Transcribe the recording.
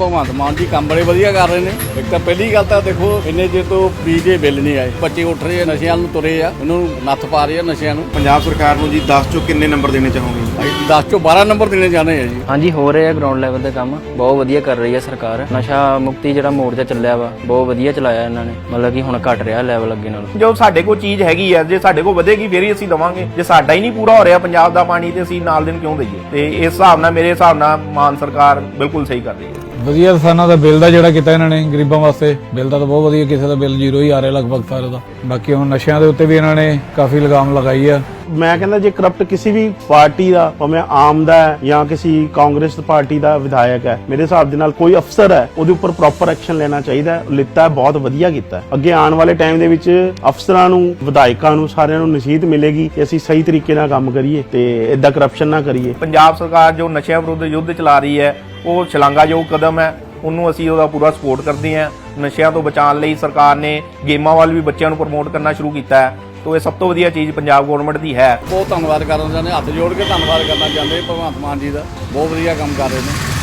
ਭਗਵੰਤ ਮਾਨ ਜੀ ਕੰਮ ਬੜੇ ਵਧੀਆ ਕਰ ਰਹੇ ਨੇ। ਇੱਕ ਤਾਂ ਪਹਿਲੀ ਗੱਲ ਤਾਂ ਦੇਖੋ ਇੰਨੇ ਜੇ ਤੋਂ ਬਿਜਲੀ ਬਿੱਲ ਨਹੀਂ ਆਏ, ਬੱਚੇ ਉੱਠ ਰਹੇ ਆ, ਨਸ਼ਿਆਂ ਨੂੰ ਤੁਰੇ ਆ, ਉਹਨੂੰ ਨੱਥ ਪਾ ਰਹੇ ਆ ਨਸ਼ਿਆਂ ਨੂੰ। ਪੰਜਾਬ ਸਰਕਾਰ ਨੂੰ ਜੀ 10 ਚੋਂ ਕਿੰਨੇ ਨੰਬਰ ਦੇਣੇ ਚਾਹੋਗੇ? 10 ਚੋਂ 12 ਨੰਬਰ ਦੇਣੇ ਜਾਣੇ ਆ ਜੀ। ਹਾਂਜੀ, ਹੋ ਰਹੇ ਆ ਗਰਾਊਂਡ ਲੈਵਲ ਤੇ ਕੰਮ ਬਹੁਤ ਵਧੀਆ ਕਰ ਰਹੀ ਹੈ ਸਰਕਾਰ। ਨਸ਼ਾ ਮੁਕਤੀ ਜਿਹੜਾ ਮੋਰਚਾ ਚੱਲਿਆ ਵਾ ਬਹੁਤ ਵਧੀਆ ਚਲਾਇਆ ਇਹਨਾਂ ਨੇ, ਮਤਲਬ ਕਿ ਹੁਣ ਘਟ ਰਿਹਾ ਲੈਵਲ ਅੱਗੇ ਨਾਲੋਂ। ਜੋ ਸਾਡੇ ਕੋਲ ਚੀਜ਼ ਹੈਗੀ ਆ, ਜੇ ਸਾਡੇ ਕੋਲ ਵਧੇਗੀ ਫੇਰ ਹੀ ਅਸੀਂ ਦਵਾਂਗੇ। ਜੇ ਸਾਡਾ ਹੀ ਨਹੀਂ ਪੂਰਾ ਹੋ ਰਿਹਾ ਪੰਜਾਬ ਦਾ ਪਾਣੀ ਤੇ ਅਸੀਂ ਨਾਲ ਦਿਨ ਕਿਉਂ ਦਈਏ? ਤੇ ਇਸ ਹਿਸਾਬ ਨਾਲ ਮੇਰੇ ਹਿਸਾਬ ਨਾਲ ਮਾਨ ਸਰਕਾਰ ਬਿਲਕੁਲ ਸਹੀ ਕਰ ਰਹੀ ਹੈ। ਵਧੀਆ ਕਿਸਾਨਾਂ ਦਾ ਬਿੱਲ ਦਾ ਜਿਹੜਾ ਕੀਤਾ ਇਹਨਾਂ ਨੇ ਗਰੀਬਾਂ ਵਾਸਤੇ, ਬਿੱਲ ਦਾ ਤਾਂ ਬਹੁਤ ਵਧੀਆ। ਕਿਸੇ ਦਾ ਬਿੱਲ ਜ਼ੀਰੋ ਹੀ ਆ ਰਿਹਾ ਲਗਭਗ ਸਾਰੇ ਦਾ। ਬਾਕੀ ਹੁਣ ਨਸ਼ਿਆਂ ਦੇ ਉੱਤੇ ਵੀ ਇਹਨਾਂ ਨੇ ਕਾਫੀ ਲਗਾਮ ਲਗਾਈ ਆ। ਮੈਂ ਕਹਿੰਦਾ ਜੇ ਕਰਪਟ ਕਿਸੇ ਵੀ ਪਾਰਟੀ ਦਾ, ਭਾਵੇਂ ਆਮ ਦਾ ਹੈ ਜਾਂ ਕਿਸੇ ਕਾਂਗਰਸ ਪਾਰਟੀ ਦਾ ਵਿਧਾਇਕ ਹੈ, ਮੇਰੇ ਹਿਸਾਬ ਦੇ ਨਾਲ ਕੋਈ ਅਫਸਰ ਹੈ ਉਹਦੇ ਉੱਪਰ ਪ੍ਰੋਪਰ ਐਕਸ਼ਨ ਲੈਣਾ ਚਾਹੀਦਾ। ਲਿੱਤਾ ਬਹੁਤ ਵਧੀਆ ਕੀਤਾ। ਅੱਗੇ ਆਉਣ ਵਾਲੇ ਟਾਈਮ ਦੇ ਵਿੱਚ ਅਫਸਰਾਂ ਨੂੰ, ਵਿਧਾਇਕਾਂ ਨੂੰ, ਸਾਰਿਆਂ ਨੂੰ ਨਸੀਹਤ ਮਿਲੇਗੀ ਕਿ ਅਸੀਂ ਸਹੀ ਤਰੀਕੇ ਨਾਲ ਕੰਮ ਕਰੀਏ ਤੇ ਏਦਾਂ ਕਰਪਸ਼ਨ ਨਾ ਕਰੀਏ। ਪੰਜਾਬ ਸਰਕਾਰ ਜੋ ਨਸ਼ਿਆਂ ਵਿਰੁੱਧ ਯੁੱਧ ਚਲਾ ਰਹੀ ਹੈ ਉਹ ਸ਼ਲਾਘਾਯੋਗ ਕਦਮ ਹੈ, ਉਹਨੂੰ ਅਸੀਂ ਉਹਦਾ ਪੂਰਾ ਸਪੋਰਟ ਕਰਦੇ ਹਾਂ। ਨਸ਼ਿਆਂ ਤੋਂ ਬਚਾਉਣ ਲਈ ਸਰਕਾਰ ਨੇ ਗੇਮਾਂ ਵੱਲ ਵੀ ਬੱਚਿਆਂ ਨੂੰ ਪ੍ਰਮੋਟ ਕਰਨਾ ਸ਼ੁਰੂ ਕੀਤਾ ਹੈ, तो ये सब तो वधिया चीज़ पंजाब गौरमेंट की है। बहुत धन्यवाद करना चाहते, हथ जोड़ के धन्यवाद करना चाहते भगवंत मान जी का। बहुत वधिया काम कर रहे हैं।